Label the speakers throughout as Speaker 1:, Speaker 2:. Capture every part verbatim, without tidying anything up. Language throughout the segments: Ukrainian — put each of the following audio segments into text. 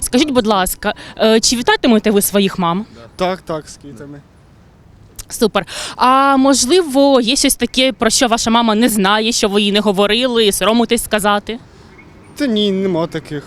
Speaker 1: Скажіть, будь ласка, е, чи вітатимете ви своїх мам?
Speaker 2: Так, так, з квітами.
Speaker 1: Супер. А можливо, є щось таке, про що ваша мама не знає, що ви їй не говорили, соромитесь сказати?
Speaker 2: Та ні, нема таких.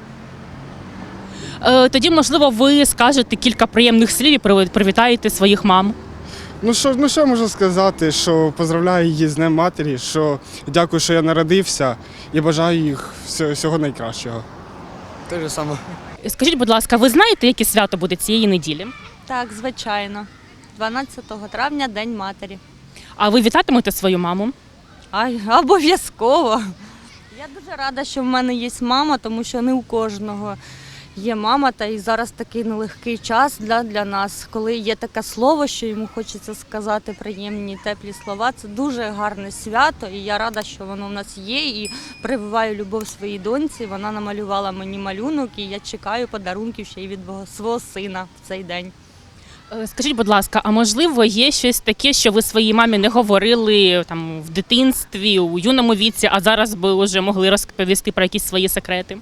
Speaker 1: Е, Тоді, можливо, ви скажете кілька приємних слів і приві- привітаєте своїх мам.
Speaker 2: Ну що, ну що можу сказати, що поздравляю її з Днем Матері, що дякую, що я народився і бажаю їх всього, всього найкращого.
Speaker 3: Те ж саме.
Speaker 1: Скажіть, будь ласка, ви знаєте, яке свято буде цієї неділі?
Speaker 4: Так, звичайно. дванадцятого травня День матері.
Speaker 1: А ви вітатимете свою маму?
Speaker 4: Ай, обов'язково. Я дуже рада, що в мене є мама, тому що не у кожного є мама. Та і зараз такий нелегкий час для, для нас, коли є таке слово, що йому хочеться сказати приємні, теплі слова. Це дуже гарне свято, і я рада, що воно в нас є. І прививаю любов своїй доньці. Вона намалювала мені малюнок, і я чекаю подарунків ще й від свого сина в цей день.
Speaker 1: Е, Скажіть, будь ласка, а можливо, є щось таке, що ви своїй мамі не говорили там в дитинстві, у юному віці, а зараз би вже могли розповісти про якісь свої секрети?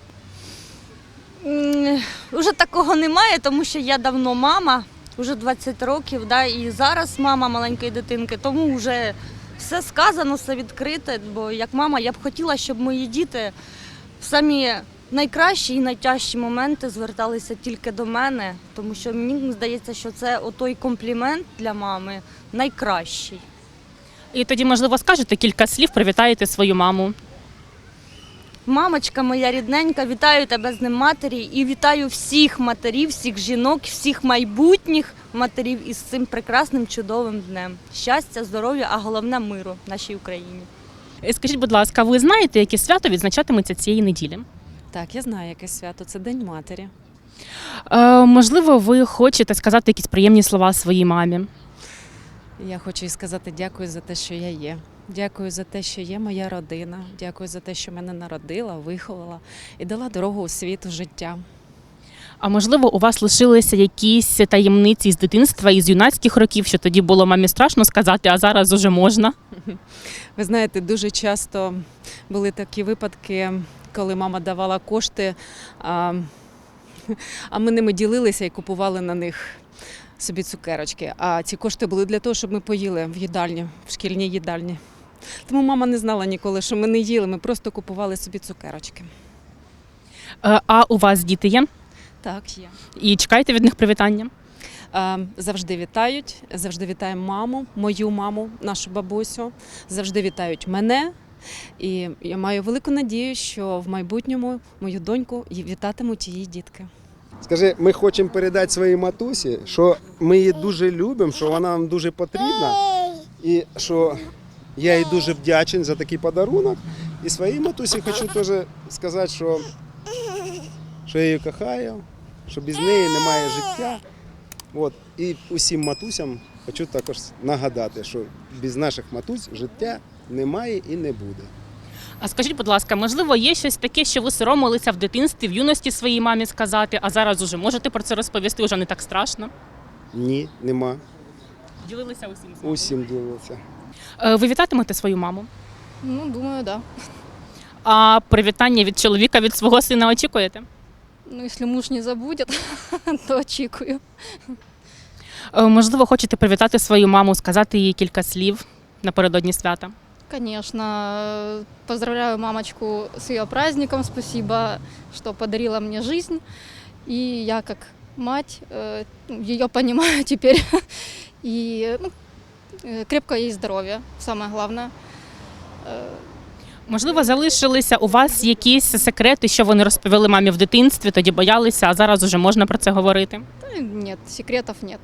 Speaker 4: М, Уже такого немає, тому що я давно мама, вже двадцять років, да, і зараз мама маленької дитинки, тому вже все сказано, все відкрите, бо як мама я б хотіла, щоб мої діти в самі найкращі і найтяжчі моменти зверталися тільки до мене, тому що мені здається, що це отой комплімент для мами найкращий.
Speaker 1: І тоді, можливо, скажете кілька слів, привітаєте свою маму.
Speaker 4: Мамочка моя рідненька, вітаю тебе з Днем матері і вітаю всіх матерів, всіх жінок, всіх майбутніх матерів із цим прекрасним чудовим днем. Щастя, здоров'я, а головне миру нашій Україні.
Speaker 1: Е, Скажіть, будь ласка, ви знаєте, яке свято відзначатиметься цієї неділі?
Speaker 5: Так, я знаю, яке свято. Це День матері.
Speaker 1: Е, можливо, ви хочете сказати якісь приємні слова своїй мамі.
Speaker 5: Я хочу їй сказати дякую за те, що я є. Дякую за те, що є моя родина. Дякую за те, що мене народила, виховала і дала дорогу у світ, у життя.
Speaker 1: А можливо, у вас лишилися якісь таємниці з дитинства, із юнацьких років, що тоді було мамі страшно сказати, а зараз уже можна?
Speaker 5: Ви знаєте, дуже часто були такі випадки, коли мама давала кошти, а, а ми ними ділилися і купували на них собі цукерочки. А ці кошти були для того, щоб ми поїли в їдальні, в шкільній їдальні. Тому мама не знала ніколи, що ми не їли, ми просто купували собі цукерочки.
Speaker 1: Е, А у вас діти є?
Speaker 5: Так, є.
Speaker 1: І чекаєте від них привітання?
Speaker 5: Е, Завжди вітають, завжди вітаємо маму, мою маму, нашу бабусю, завжди вітають мене. І я маю велику надію, що в майбутньому мою доньку вітатимуть її дітки.
Speaker 6: Скажи, ми хочемо передати своїй матусі, що ми її дуже любимо, що вона нам дуже потрібна, і що я їй дуже вдячний за такий подарунок. І своїй матусі хочу теж сказати, що, що я її кохаю, що без неї немає життя. От. І усім матусям хочу також нагадати, що без наших матусь життя немає і не буде.
Speaker 1: А скажіть, будь ласка, можливо, є щось таке, що ви соромилися в дитинстві, в юності своїй мамі сказати, а зараз уже можете про це розповісти, вже не так страшно?
Speaker 6: Ні, нема.
Speaker 1: Ділилися усім з вами?
Speaker 6: Усім ділиться.
Speaker 1: Е, Ви вітатимете свою маму?
Speaker 7: Ну, думаю, да.
Speaker 1: А привітання від чоловіка, від свого сина очікуєте?
Speaker 7: Ну, если муж не забудет, то очікую.
Speaker 1: Е, Можливо, хочете привітати свою маму, сказати їй кілька слів напередодні свята?
Speaker 7: Конечно, поздравляю мамочку с ее праздником. Спасибо, что подарила мне жизнь. И я как мать э, ее понимаю теперь. И ну, э, крепкого ей здоровья, самое главное. Э,
Speaker 1: Можливо, залишилися у вас якісь секрети, що вони розповіли мамі в дитинстві, тоді боялися, а зараз уже можна про це говорити?
Speaker 7: да, Нет, секретов нет.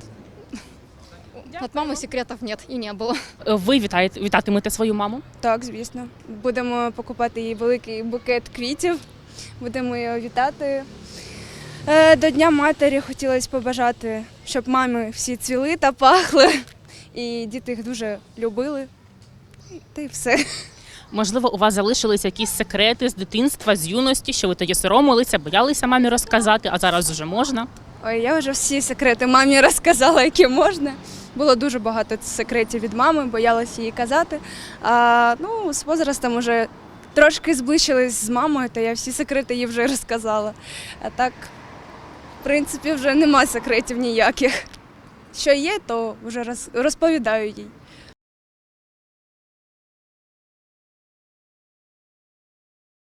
Speaker 7: От мамы секретов нет и не было.
Speaker 1: Е, Ви вітаєте, вітатимете свою маму?
Speaker 8: Так, звісно. Будемо покупати їй великий букет квітів, будемо її вітати. Е, До Дня матері хотілося побажати, щоб мами всі цвіли та пахли, і діти їх дуже любили. Та й все.
Speaker 1: Можливо, у вас залишилися якісь секрети з дитинства, з юності, що ви тоді соромилися, боялися мамі розказати, а зараз вже можна?
Speaker 8: Ой, я вже всі секрети мамі розказала, які можна. Було дуже багато секретів від мами, боялася їй казати. А, ну, з возрастом вже трошки зблизились з мамою, то я всі секрети їй вже розказала. А так, в принципі, вже нема секретів ніяких. Що є, то вже роз- розповідаю їй.